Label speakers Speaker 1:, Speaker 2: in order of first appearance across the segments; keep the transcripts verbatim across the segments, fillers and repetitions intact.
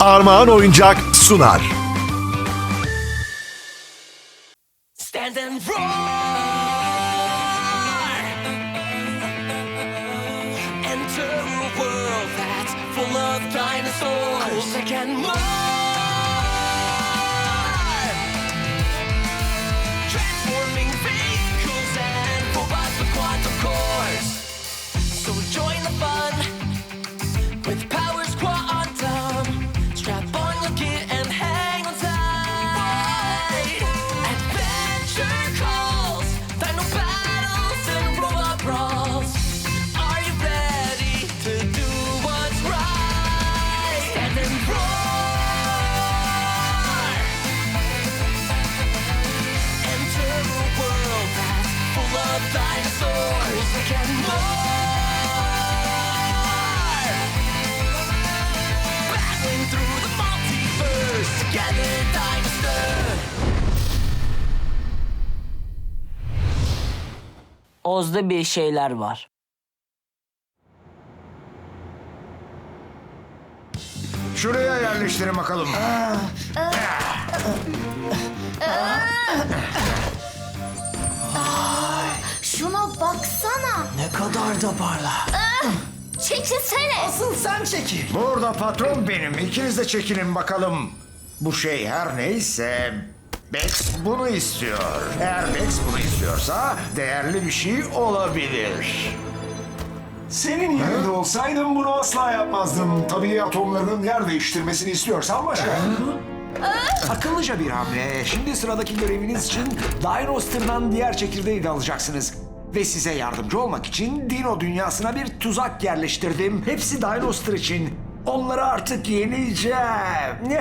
Speaker 1: Armağan Oyuncak sunar.
Speaker 2: Stand and roar! Enter a world that's full of dinosaurs that can more! Transforming vehicles and robots with quantum cores. So join the fun with powers quantum. Strap on your gear and hang on tight. Adventure calls, dino battles and robot brawls. Are you ready to do what's right? Stand and roar. Enter a world that's full of dinosaurs and more. Battling through the multiverse, together dinosaur.
Speaker 3: Oz'da bir şeyler var.
Speaker 4: Şuraya yerleştirin bakalım.
Speaker 5: Şuna baksana.
Speaker 2: Ne kadar da parlak.
Speaker 5: Çekilsene.
Speaker 2: Asıl sen çekil.
Speaker 4: Burada patron benim. İkiniz de çekinin bakalım. Bu şey her neyse Bex bunu istiyor. Eğer Bex bunu istiyorsa değerli bir şey olabilir.
Speaker 6: Senin yerinde olsaydım bunu asla yapmazdım. Tabii atomlarının yer değiştirmesini istiyorsan başka.
Speaker 7: Akıllıca bir hamle. Şimdi sıradaki göreviniz için Dinoster'dan diğer çekirdeği de alacaksınız. Ve size yardımcı olmak için Dino dünyasına bir tuzak yerleştirdim. Hepsi Dinoster için. Onları artık yeneceğim.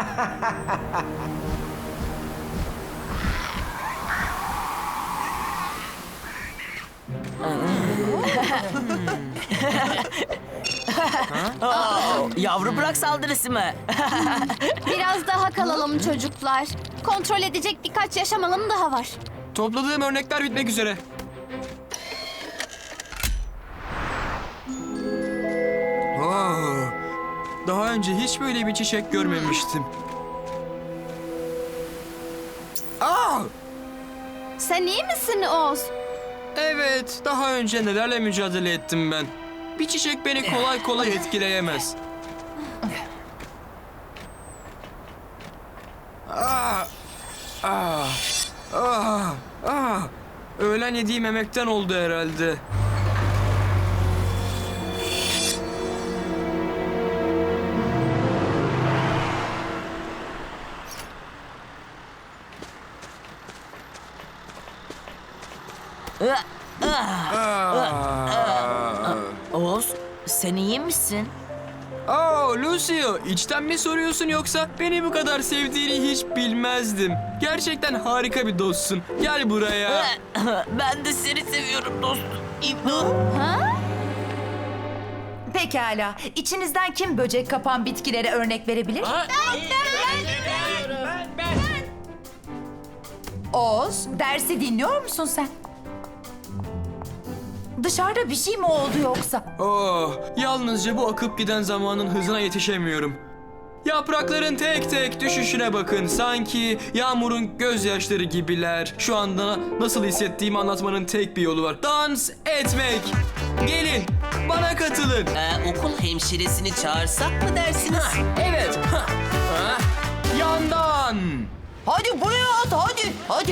Speaker 3: Yavru bırak saldırısı mı?
Speaker 5: Biraz daha kalalım çocuklar. Kontrol edecek birkaç yaşam alanı daha var.
Speaker 8: Topladığım örnekler bitmek üzere. Wow. Daha önce hiç böyle bir çiçek görmemiştim. Aa!
Speaker 5: Sen iyi misin Oz?
Speaker 8: Evet, daha önce nelerle mücadele ettim ben. Bir çiçek beni kolay kolay etkileyemez. Aa! Aa! Aa! Aa! Öğlen yediğim yemekten oldu herhalde.
Speaker 3: Oz, sen iyi misin?
Speaker 8: Aa, Lucio, içten mi soruyorsun yoksa beni bu kadar sevdiğini hiç bilmezdim. Gerçekten harika bir dostsun. Gel buraya.
Speaker 3: Ben de seni seviyorum dostum. İmdat.
Speaker 9: Pekala. İçinizden kim böcek kapan bitkilere örnek verebilir? Oz, dersi dinliyor musun sen? Dışarıda bir şey mi oldu yoksa?
Speaker 8: Oh, yalnızca bu akıp giden zamanın hızına yetişemiyorum. Yaprakların tek tek düşüşüne bakın. Sanki yağmurun gözyaşları gibiler. Şu anda nasıl hissettiğimi anlatmanın tek bir yolu var. Dans etmek. Gelin, bana katılın.
Speaker 2: Ee, okul hemşiresini çağırsak mı dersiniz?
Speaker 8: Evet. Ha. Ha. Yandan.
Speaker 9: Hadi buraya at, hadi, hadi.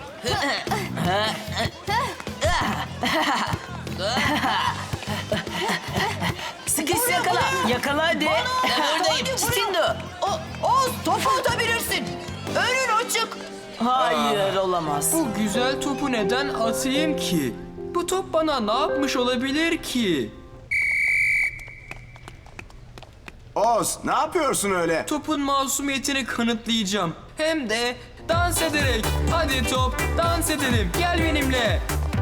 Speaker 3: Sıkış yakala. Yakala hadi.
Speaker 2: Buradayım.
Speaker 3: Çitindo.
Speaker 9: O, Oz, topu atabilirsin. Önün açık.
Speaker 3: Hayır olamaz.
Speaker 8: Bu güzel topu neden atayım ki? Bu top bana ne yapmış olabilir ki?
Speaker 6: Oz, ne yapıyorsun öyle?
Speaker 8: Topun masumiyetini kanıtlayacağım. Hem de dans ederek. Hadi top, dans edelim. Gel benimle.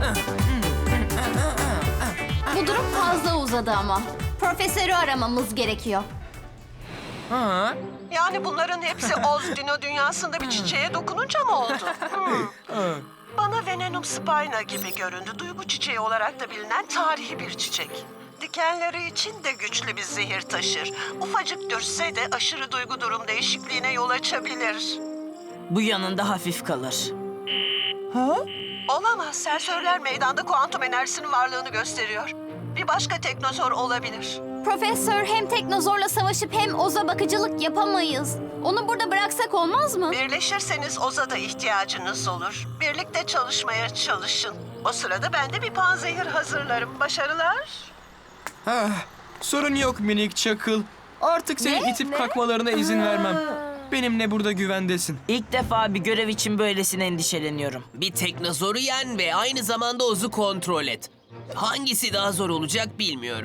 Speaker 5: Bu durum fazla uzadı ama. Profesörü aramamız gerekiyor.
Speaker 8: Ha?
Speaker 10: Yani bunların hepsi Oz Dino dünyasında bir çiçeğe dokununca mı oldu? Hmm. Bana Venenum spina gibi göründü. Duygu çiçeği olarak da bilinen tarihi bir çiçek. dikenleri için de güçlü bir zehir taşır. Ufacık dürtse de aşırı duygu durum değişikliğine yol açabilir.
Speaker 3: Bu yanında hafif kalır.
Speaker 10: Olamaz. Sensörler meydanda kuantum enerjisinin varlığını gösteriyor. Bir başka teknozor olabilir.
Speaker 5: Profesör, hem teknozorla savaşıp hem Oz'a bakıcılık yapamayız. Onu burada bıraksak olmaz mı?
Speaker 10: Birleşirseniz Oz'a da ihtiyacınız olur. Birlikte çalışmaya çalışın. O sırada ben de bir panzehir hazırlarım. Başarılar.
Speaker 8: Ah, sorun yok minik çakıl. Artık senin
Speaker 5: Ne?
Speaker 8: itip kalkmalarına izin vermem. Benimle burada güvendesin.
Speaker 3: İlk defa bir görev için böylesine endişeleniyorum.
Speaker 11: Bir teknozoru yen ve aynı zamanda Oz'u kontrol et. Hangisi daha zor olacak bilmiyorum.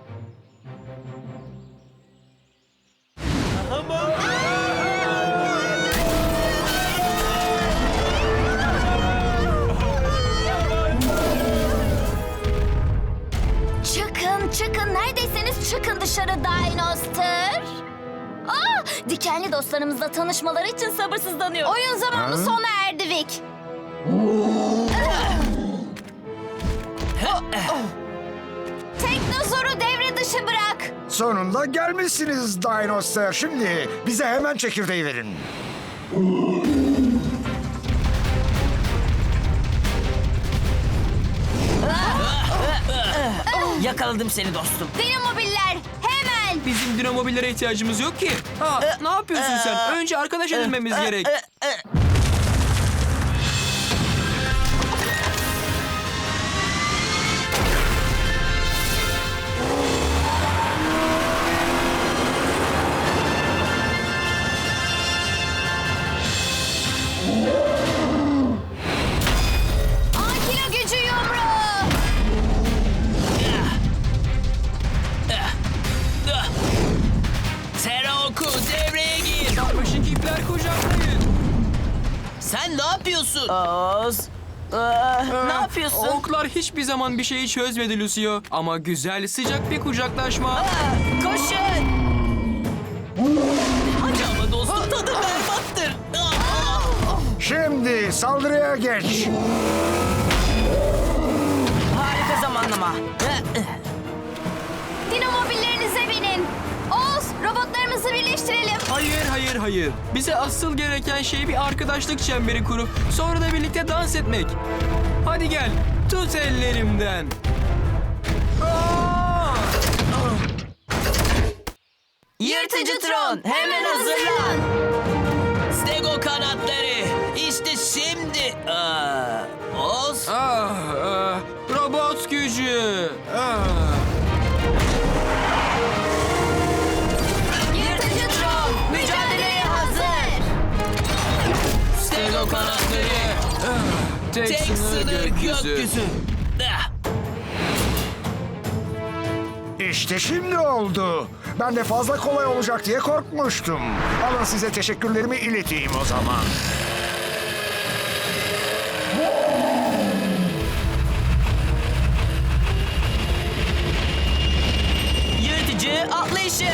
Speaker 5: Çıkın, çıkın. Neredeyseniz çıkın dışarı Dinoster. Aa, dikenli dostlarımızla tanışmaları için sabırsızlanıyorum. Oyun zamanı sona erdi Vic. Teknozoru devre dışı bırak.
Speaker 4: Sonunda gelmişsiniz Dinoster. Şimdi bize hemen çekirdeği verin.
Speaker 3: Yakaladım seni dostum.
Speaker 5: Dinamobiller hemen.
Speaker 8: Bizim dinamobillere ihtiyacımız yok ki. Ha, ne yapıyorsun sen? Önce arkadaş edinmemiz gerek.
Speaker 5: Ankilo gücü yumruğu.
Speaker 11: Teraoku devreye gir.
Speaker 8: Başındaki ipler kucaklayın.
Speaker 11: Sen ne yapıyorsun?
Speaker 3: Oz. Aa, ne yapıyorsun?
Speaker 8: Oklar hiçbir zaman bir şeyi çözmedi Lucio. Ama güzel, sıcak bir kucaklaşma.
Speaker 3: Koşun.
Speaker 11: Hadi ama dostum tadı berbattır. Aa!
Speaker 4: Şimdi saldırıya geç.
Speaker 3: Harika zamanlama.
Speaker 5: Dinamobillerinize binin. Oz, robotlarımızı birleştirelim.
Speaker 8: Hayır, hayır, hayır. Bize asıl gereken şey bir arkadaşlık çemberi kurup sonra da birlikte dans etmek. Hadi gel, tut ellerimden. Aa!
Speaker 3: Yırtıcı Tron, hemen hazırlan.
Speaker 11: Stego kanatları. İşte şimdi. Aa, Oz.
Speaker 8: Ah, ah, robot gücü. Ah.
Speaker 5: Yırtıcı Tron, mücadeleye hazır.
Speaker 11: Stego kanatları.
Speaker 8: Tek,
Speaker 11: Tek sınır gökyüzü. Ah.
Speaker 4: İşte şimdi oldu. Ben de fazla kolay olacak diye korkmuştum. Alın size teşekkürlerimi ileteyim o zaman.
Speaker 3: Yırtıcı atlayışı.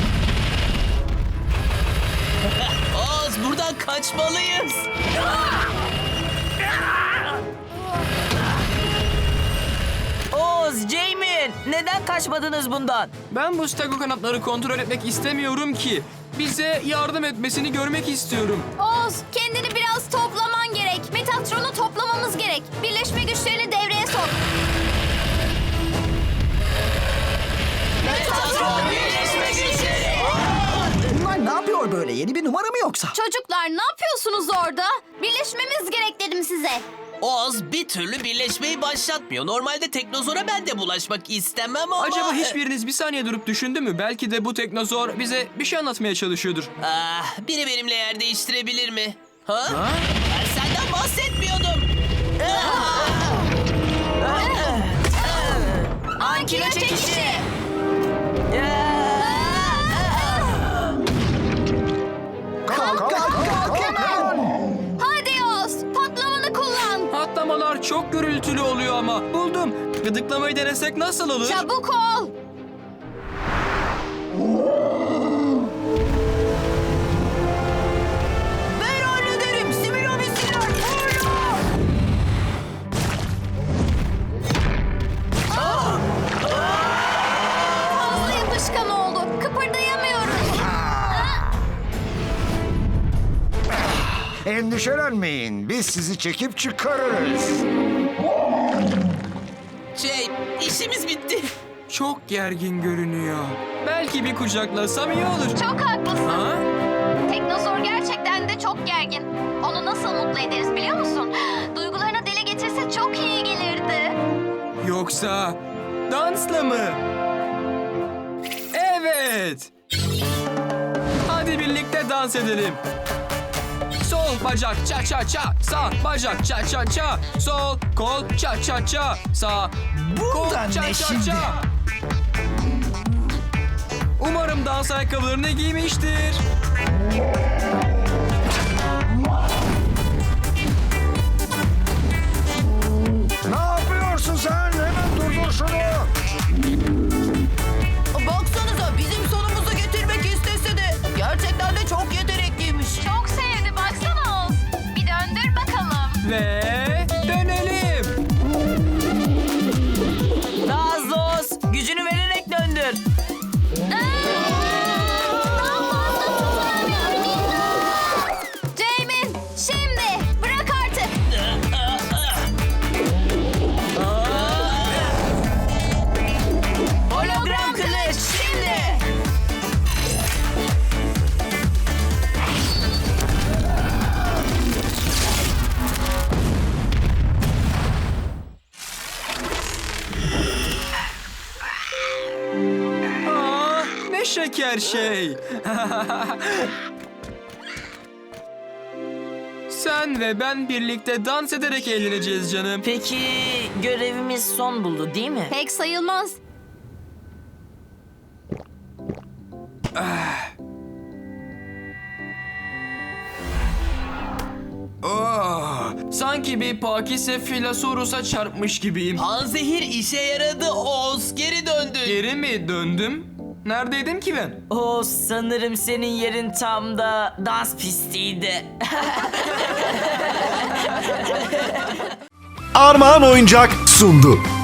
Speaker 11: Oz buradan kaçmalıyız.
Speaker 3: Oz, Jamie, neden kaçmadınız bundan?
Speaker 8: Ben bu stego kanatları kontrol etmek istemiyorum ki. Bize yardım etmesini görmek istiyorum.
Speaker 5: Oz, kendini biraz toplaman gerek. Metatron'u toplamamız gerek. Birleşme güçlerini devreye sok. Metatron birleşme güçleri.
Speaker 12: Bunlar ne yapıyor böyle? Yeni bir numara mı yoksa?
Speaker 5: Çocuklar ne yapıyorsunuz orada? Birleşmemiz gerek dedim size.
Speaker 11: Oz bir türlü birleşmeyi başlatmıyor. Normalde teknozora ben de bulaşmak istemem ama...
Speaker 8: Acaba hiçbiriniz bir saniye durup düşündü mü? Belki de bu teknozor bize bir şey anlatmaya çalışıyordur.
Speaker 11: Ah, biri benimle yer değiştirebilir mi? Ha?
Speaker 8: Ha?
Speaker 11: Ben senden bahsetmiyordum.
Speaker 5: Ankilo çekişi.
Speaker 4: Kalk, kalk, kalk, kalk hemen.
Speaker 5: Hadi Oz, patlamanı kullan.
Speaker 8: Patlamalar çok gürültülü oluyor ama. Buldum. Gıdıklamayı denesek nasıl olur?
Speaker 5: Çabuk ol.
Speaker 9: Ben hallederim. Simülamisiler.
Speaker 4: Endişelenmeyin, biz sizi çekip çıkarırız.
Speaker 11: Şey, işimiz bitti.
Speaker 8: Çok gergin görünüyor. Belki bir kucaklasam iyi olur.
Speaker 5: Çok haklısın.
Speaker 8: Ha?
Speaker 5: Teknozor gerçekten de çok gergin. Onu nasıl mutlu ederiz biliyor musun? Duygularını dile getirse çok iyi gelirdi.
Speaker 8: Yoksa dansla mı? Evet. Hadi birlikte dans edelim. Sol bacak ça ça ça, sağ bacak ça ça ça, sol kol ça ça ça, sağ kol
Speaker 12: Bundan
Speaker 8: ça
Speaker 12: ne
Speaker 8: ça
Speaker 12: şimdi?
Speaker 8: ça. Umarım dans ayakkabılarını giymiştir.
Speaker 4: Ne yapıyorsun sen? Hemen durdur şunu.
Speaker 9: Baksanıza bizim sonumuzu getirmek istese de gerçekten de çok yetenekliymiş.
Speaker 5: Çok sevdi baksana Oz. Bir döndür bakalım.
Speaker 8: Ve dönelim.
Speaker 3: Nazlos, gücünü vererek döndür.
Speaker 5: Jamin şimdi bırak artık.
Speaker 3: Hologram kılıç, şimdi.
Speaker 8: Aa, ne şeker şey. Sen ve ben birlikte dans ederek eğleneceğiz canım.
Speaker 3: Peki görevimiz son buldu değil mi?
Speaker 5: Pek sayılmaz.
Speaker 8: Oh, sanki bir Pakise Filosaurus'a çarpmış gibiyim.
Speaker 11: Panzehir işe yaradı Oz. Geri döndün.
Speaker 8: Geri mi döndüm? Neredeydim ki ben?
Speaker 3: O sanırım senin yerin tam da dans pistiydi.
Speaker 1: Armağan Oyuncak sundu.